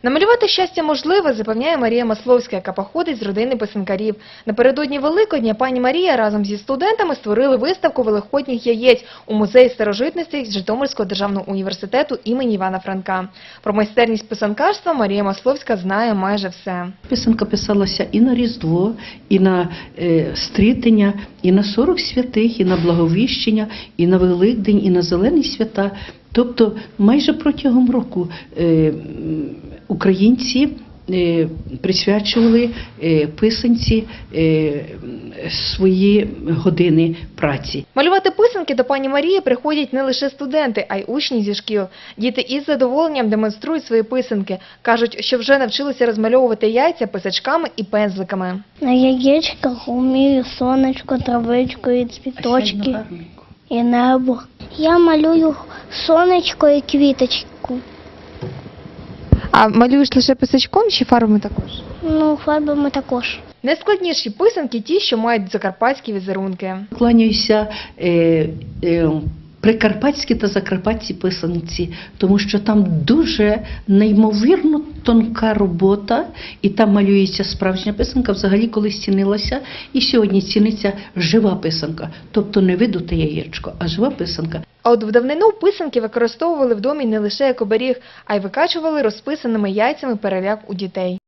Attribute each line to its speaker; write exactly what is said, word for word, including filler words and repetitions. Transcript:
Speaker 1: Намалювати щастя можливе, запевняє Марія Масловська, яка походить з родини писанкарів. Напередодні Великодня пані Марія разом зі студентами створили виставку великодніх яєць у музеї старожитностей Житомирського державного університету імені Івана Франка. Про майстерність писанкарства Марія Масловська знає майже все.
Speaker 2: Писанка писалася і на Різдво, і на е, Стрітення, і на сорок святих, і на Благовіщення, і на Великдень, і на Зелені свята. Тобто майже протягом року е, українці е, присвячували е, писанці е, свої години праці.
Speaker 1: Малювати писанки до пані Марії приходять не лише студенти, а й учні зі шкіл. Діти із задоволенням демонструють свої писанки. Кажуть, що вже навчилися розмальовувати яйця писачками і пензликами.
Speaker 3: На яєчках вмію сонечко, травичку і цвіточки. І небо. Я малюю сонечко і квіточку.
Speaker 1: А малюєш лише писачком чи фарбами також?
Speaker 3: Ну, фарбами також.
Speaker 1: Найскладніші писанки – ті, що мають закарпатські візерунки.
Speaker 2: Кланяюся е, е, прикарпатські та закарпатські писанці, тому що там дуже неймовірно тонка робота, і там малюється справжня писанка, взагалі колись цінилася, і сьогодні ціниться жива писанка, тобто не видуте яєчко, а жива писанка.
Speaker 1: А от в давнину писанки використовували в домі не лише як оберіг, а й викачували розписаними яйцями переляк у дітей.